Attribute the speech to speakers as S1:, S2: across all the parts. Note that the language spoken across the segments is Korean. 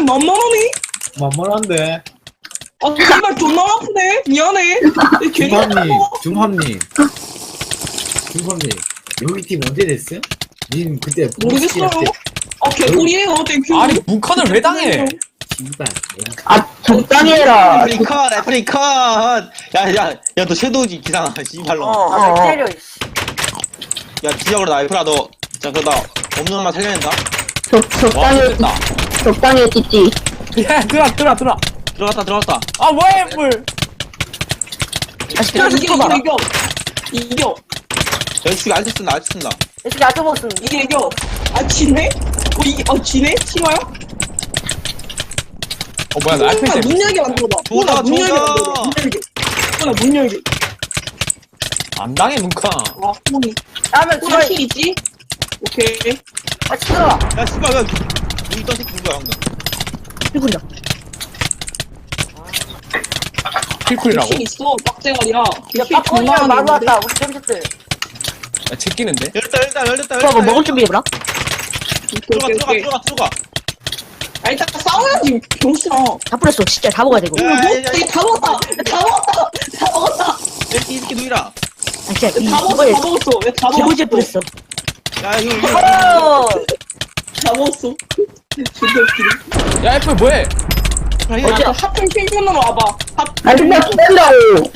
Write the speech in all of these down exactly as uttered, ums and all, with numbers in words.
S1: 만만하니?
S2: 만만한데.
S1: 아 정말 존나 아프네. 미안해. 내 괜히
S2: 중함님,
S1: 아파.
S2: 중함님. 중함님. 여기 팀 언제 됐어요? 님 그때
S1: 모르겠어요. 아 개꿀이에요. 땡큐.
S3: 아니 문컨을 왜 당해?
S2: 신발.
S4: 아, 적당히 해라.
S5: 애프리 컷, 애프리 컷. 야, 야, 야, 너 섀도우지 기상아, 씨발로.
S4: 어,
S6: 아,
S4: 어.
S6: 때려, 이씨.
S5: 야, 지적으로 나 애프라 너, 자, 그러다 없는 엄마 살려낸다.
S4: 적,
S3: 와
S4: 적당히,
S3: 됐다.
S4: 적당히 했지.
S3: 야 들어 들어 들어.
S5: 들어갔다, 들어갔다.
S3: 아 뭐야 물.
S4: 아,
S1: 야,
S4: 스트레스
S1: 이겨
S4: 풀어봐라.
S1: 이겨 이겨. 이겨.
S5: 야, 지금 알트 쓴다, 알트 쓴다.
S6: 이 새끼 아껴 먹었음.
S1: 이게 이겨. 아 지네? 어 이게 어 지네? 치마야?
S3: 어 뭐야 나 알펜
S1: 문
S3: 때문에.
S1: 열게 만들어봐.
S5: 조다,
S1: 문 열게
S5: 조다.
S1: 만들어봐. 문 열게. 호나 문 열게.
S3: 안 당해 문컨.
S1: 아 호니.
S6: 다음에
S1: 호나
S6: 지금,
S1: 킬 있지? 오케이.
S6: 아, 시끄러워.
S5: 야, 씨발, 야, 이 떠식 누구야, 방금.
S4: 피곤이다.
S3: 킬쿨이라고?
S1: 킬 있어. 빡대가리야.
S6: 야,
S1: 킬
S6: 팝콘이랑
S1: 존나
S6: 마루
S1: 많은데?
S6: 왔다. 우리 잼새들.
S3: 야 제끼는데?
S5: 열렸다, 열렸다, 열렸다,
S4: 오빠 뭐
S5: 열렸다.
S4: 먹을 준비해보라.
S1: 오케이
S5: 들어가,
S1: 오케이
S5: 들어가,
S1: 오케이.
S5: 들어가, 들어가.
S1: 아 일단 싸워야지 병신아.
S4: 다 뿌렸어. 진짜 다 먹어야 되고.
S5: 야, 야, 야, 야,
S1: 뭐? 다 먹었다. 다 먹었다. 다 먹었다.
S5: 이 새끼 누이라.
S4: 아, 진짜, 이,
S1: 다 먹었어.
S4: 이거에
S1: 다 먹었어. 야, 다
S4: 개고질
S1: 먹었어.
S4: 뿌렸어.
S5: 야, 이거, 이거.
S6: 어!
S1: 다 먹었어. 존나 웃기네.
S3: 야 애플 뭐해?
S1: 어제 하필 핑크으로 와봐. 하
S4: 아, 근데 기다리라고.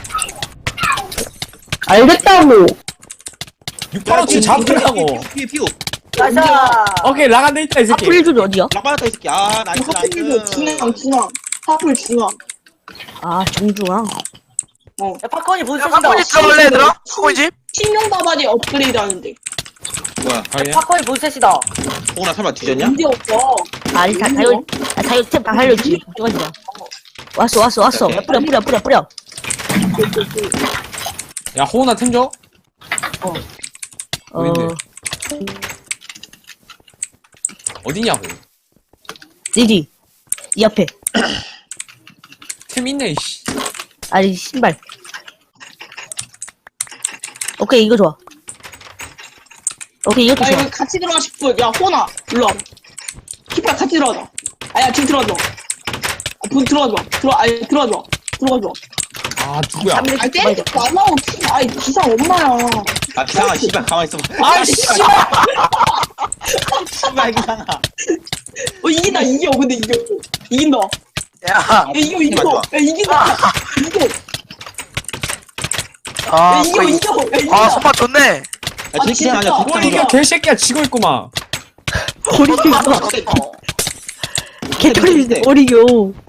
S4: 알겠다고.
S3: 육팔오칠 잡으라고.
S5: 피우, 피우.
S6: 나이스.
S3: 오케이 라간데 있다 이 새끼.
S4: 풀줄이 어디야?
S5: 락 받았다, 이 새끼. 아, 나이스,
S1: 하필
S5: 나이스.
S1: 중앙 중앙. 하필 중앙.
S4: 아, 정중앙.
S1: 어.
S6: 야, 팝콘이 문
S7: 야,
S6: 쓰신다.
S7: 팝콘이 들어갈래, 얘들아? 팝콘이 집?
S1: 신용 다발이 업그레이드 하는데.
S5: 뭐야,
S3: 아니야?
S6: 팝콘이 문 쓰시다.
S5: 호나 설마 뒤졌냐?
S1: 문제 없어.
S4: 아, 다, 다, 열, 아, 다, 열, 다 살려주지. 걱정하지 마. 왔어, 왔어, 왔어. 야, 뿌려, 뿌려, 뿌려, 뿌려.
S3: 야 호나 템 줘?
S4: 어.
S3: 어딘데? 어디냐고?
S4: 니지. 이 앞에.
S3: 템 있네 이씨.
S4: 아니, 신발. 오케이, 이거 좋아. 오케이, 이것도
S1: 야
S4: 좋아.
S1: 이거 같이 들어가 싶어. 야 호나 일로 와. 키파 같이 들어가자. 아야 지금 들어가자. 아, 분 들어가자. 들어 아니 들어가자. 들어가자.
S3: 아 누구야?
S4: 삼 일
S1: 아니
S4: 봐야 돼.
S1: 때리지 말라고. 키- 아이 기상 엄마야.
S5: 아, 기상아, 씨발, 가만히 있어봐.
S3: 아 씨발.
S5: 씨발, 기상아.
S1: 어 이긴다 이겨. 근데 이겨. 이긴다.
S7: 야,
S1: 야 이겨 이겨. 야 이긴다. 이겨.
S7: 아,
S1: 야 이겨
S7: 거의-
S1: 이겨. 야 이겨.
S7: 아, 손맛 좋네.
S5: 야,
S1: 아,
S5: 뒷기상 아니야,
S1: 진짜.
S3: 뭘
S5: 뒷기상.
S3: 이게 개새끼야 지고 있구만.
S4: 어리겨.
S7: 어.
S4: 개털리네, 어리겨.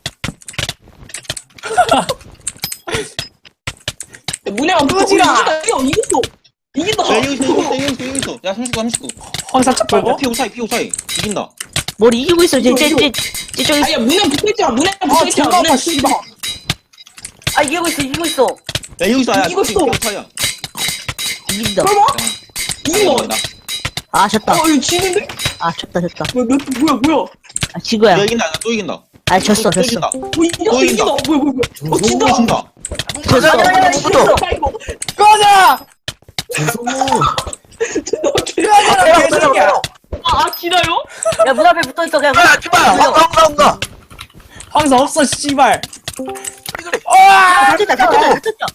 S1: 야, 문해가
S3: 끄지라.
S1: 이겨 이겼어. 이긴다.
S5: 야, 여기 있어, 여기 있어, 여기 있어, 여기 있어. 야, 삼십구, 삼십구.
S3: 황사차
S5: 야,
S3: 빼고?
S5: 피오 사이, 피오 사이. 이긴다.
S4: 뭘 이기고 있어, 쟤, 쟤, 쟤, 쟤, 저기.
S1: 아야 문해 붙어있잖아. 문해
S3: 아
S1: 붙어있잖아.
S3: 존나
S1: 문해
S3: 아파 씨발.
S6: 아, 이기고 있어, 이기고 있어.
S5: 야, 여기 있어, 야,
S1: 이거
S5: 피오
S1: 있어.
S5: 사이야.
S4: 이긴다.
S1: 설마? 이긴다.
S5: 이긴다.
S4: 아, 졌다.
S1: 어 이거 지는데?
S4: 아, 졌다, 졌다.
S1: 뭐야 몇 뭐야 뭐야?
S4: 아, 지구야.
S5: 야, 이긴다, 또 이긴다.
S4: 아, 졌어,
S5: 또
S4: 졌어.
S5: 이긴다.
S1: 어 이겼어
S5: 또
S1: 이긴다.
S5: 이긴다.
S1: 뭐야 뭐야 뭐야? 어 진다.
S5: 또 진다.
S4: 졌어.
S6: 야, 야, 야, 이겼어.
S1: 아이고.
S3: 꺼져!
S2: 죄송해요.
S3: 꺼져라 개새끼야.
S1: 아 기다려?
S6: 야, 문 앞에 붙어 있어, 그냥.
S7: 야, 제발, 온다, 온다, 온다.
S3: 황사 없어 씨발.
S4: 아, 다 졌다, 다 졌다, 다 졌다.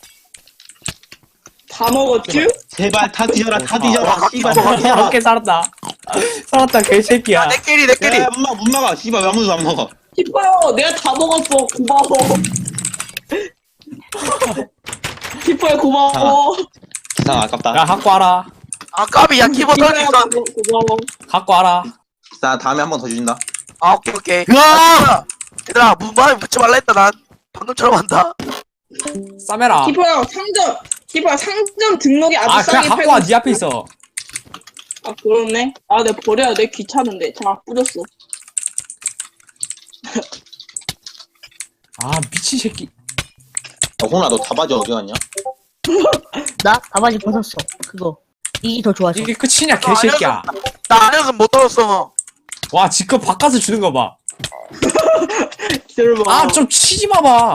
S1: 다 먹었지?
S5: 제발, 다 뒤져라, 다 뒤져라.
S7: 아,
S5: 씨발,
S7: 아,
S5: 다 뒤져라.
S3: 오케이 살았다. 살았다 개새끼야.
S7: 야, 내 끼리, 내 끼리.
S5: 야, 못 막아, 못 막아. 씨발, 왜 아무도 안 먹어.
S1: 기뻐요. 내가 다 먹었어. 고마워. 기뻐요 고마워.
S5: 기상 아깝다.
S3: 야 갖고 와라.
S7: 아, 까비, 야, 키보드 할수
S1: 기뻐요,
S7: 있었는데.
S1: 고마워.
S3: 갖고 와라.
S5: 기상 다음에 한 번 더 주신다.
S7: 아, 오케이, 오케이. 야! 얘들아, 문방에 붙지 말라 했다, 난. 방금처럼 한다.
S3: 싸매라.
S1: 기뻐요 상점. 기뻐요 상점 등록이 아주
S3: 아
S1: 싸게
S3: 그냥 갖고
S1: 팔고
S3: 와.
S1: 있어.
S3: 네 앞에 있어.
S1: 아 그렇네. 아 내가 버려야 돼. 귀찮은데. 다 뿌렸어.
S3: 아 미친 새끼.
S5: 야, 홍아, 너 다바지 어디 갔냐?
S4: 나 가바지 벗었어. 그거. 이게 더 좋아져.
S3: 이게 끝이냐 개새끼야.
S7: 나 아니었으면 못 떨었어.
S3: 와 지금 바꿔서 주는 거 봐.
S1: 기다려봐.
S3: 아 좀 치지 마봐.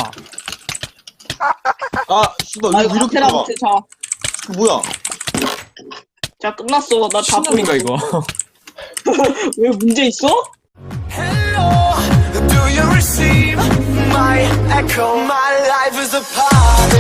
S5: 아, 씨발,
S1: 아
S5: 왜
S1: 이거
S5: 이렇게
S1: 카테라
S5: 잡아?
S1: 못해. 자.
S5: 뭐야?
S1: 자 끝났어. 나 다
S3: 신놈인가 이거.
S1: 왜 문제 있어?
S8: Hello, receive my echo. My life is a part